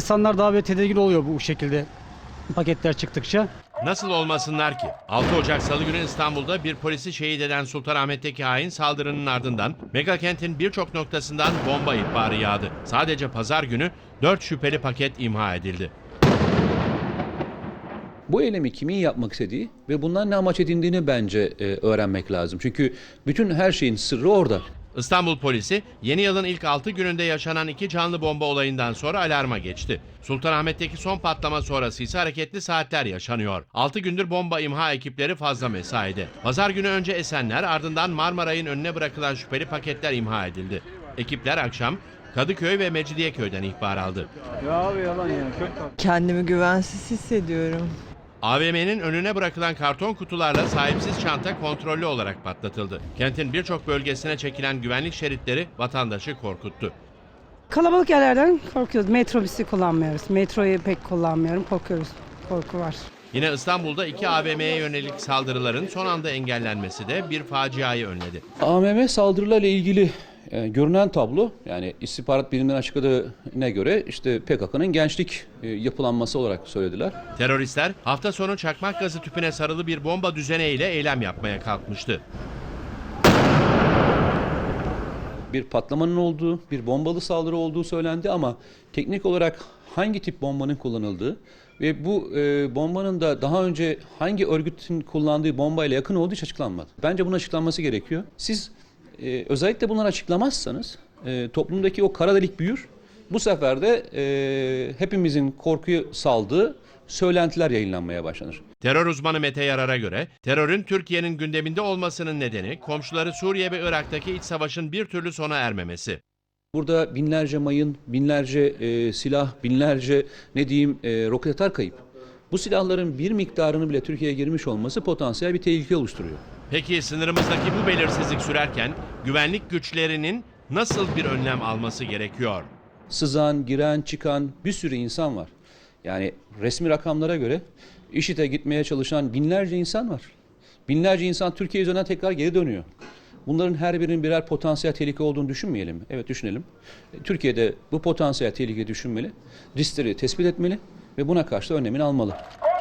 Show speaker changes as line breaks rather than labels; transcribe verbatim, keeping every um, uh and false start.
İnsanlar daha böyle tedirgin oluyor bu şekilde paketler çıktıkça.
Nasıl olmasınlar ki? altı Ocak Salı günü İstanbul'da bir polisi şehit eden Sultanahmet'teki hain saldırının ardından megakentin birçok noktasından bomba ihbarı yağdı. Sadece pazar günü dört şüpheli paket imha edildi.
Bu eylemi kimin yapmak istediği ve bundan ne amaç edindiğini bence e, öğrenmek lazım. Çünkü bütün her şeyin sırrı orada.
İstanbul polisi yeni yılın ilk altı gününde yaşanan iki canlı bomba olayından sonra alarma geçti. Sultanahmet'teki son patlama sonrası ise hareketli saatler yaşanıyor. altı gündür bomba imha ekipleri fazla mesaide. Pazar günü önce Esenler, ardından Marmaray'ın önüne bırakılan şüpheli paketler imha edildi. Ekipler akşam Kadıköy ve Mecidiyeköy'den ihbar aldı.
Ya abi yalan ya.
Kendimi güvensiz hissediyorum.
A V M'nin önüne bırakılan karton kutularla sahipsiz çanta kontrollü olarak patlatıldı. Kentin birçok bölgesine çekilen güvenlik şeritleri vatandaşı korkuttu.
Kalabalık yerlerden korkuyoruz. Metrobüsü kullanmıyoruz. Metroyu pek kullanmıyorum. Korkuyoruz. Korku var.
Yine İstanbul'da iki A V M'ye yönelik saldırıların son anda engellenmesi de bir faciayı önledi.
A V M saldırılarla ilgili e, görünen tablo, yani istihbarat biriminin açıkladığına göre işte P K K'nın gençlik e, yapılanması olarak söylediler.
Teröristler hafta sonu çakmak gazı tüpüne sarılı bir bomba düzeneğiyle eylem yapmaya kalkmıştı.
Bir patlamanın olduğu, bir bombalı saldırı olduğu söylendi ama teknik olarak hangi tip bombanın kullanıldığı ve bu e, bombanın da daha önce hangi örgütün kullandığı bombayla yakın olduğu hiç açıklanmadı. Bence bunun açıklanması gerekiyor. Siz e, özellikle bunları açıklamazsanız e, toplumdaki o kara delik büyür. Bu sefer de e, hepimizin korkuyu saldığı söylentiler yayınlanmaya başlanır.
Terör uzmanı Mete Yarar'a göre terörün Türkiye'nin gündeminde olmasının nedeni komşuları Suriye ve Irak'taki iç savaşın bir türlü sona ermemesi.
Burada binlerce mayın, binlerce e, silah, binlerce ne diyeyim e, roket atar kayıp. Bu silahların bir miktarını bile Türkiye'ye girmiş olması potansiyel bir tehlike oluşturuyor.
Peki sınırımızdaki bu belirsizlik sürerken güvenlik güçlerinin nasıl bir önlem alması gerekiyor?
Sızan, giren, çıkan bir sürü insan var. Yani resmi rakamlara göre IŞİD'e gitmeye çalışan binlerce insan var. Binlerce insan Türkiye üzerinden tekrar geri dönüyor. Bunların her birinin birer potansiyel tehlike olduğunu düşünmeyelim mi? Evet, düşünelim. Türkiye'de bu potansiyel tehlikeyi düşünmeli, riskleri tespit etmeli ve buna karşı da önlemini almalı.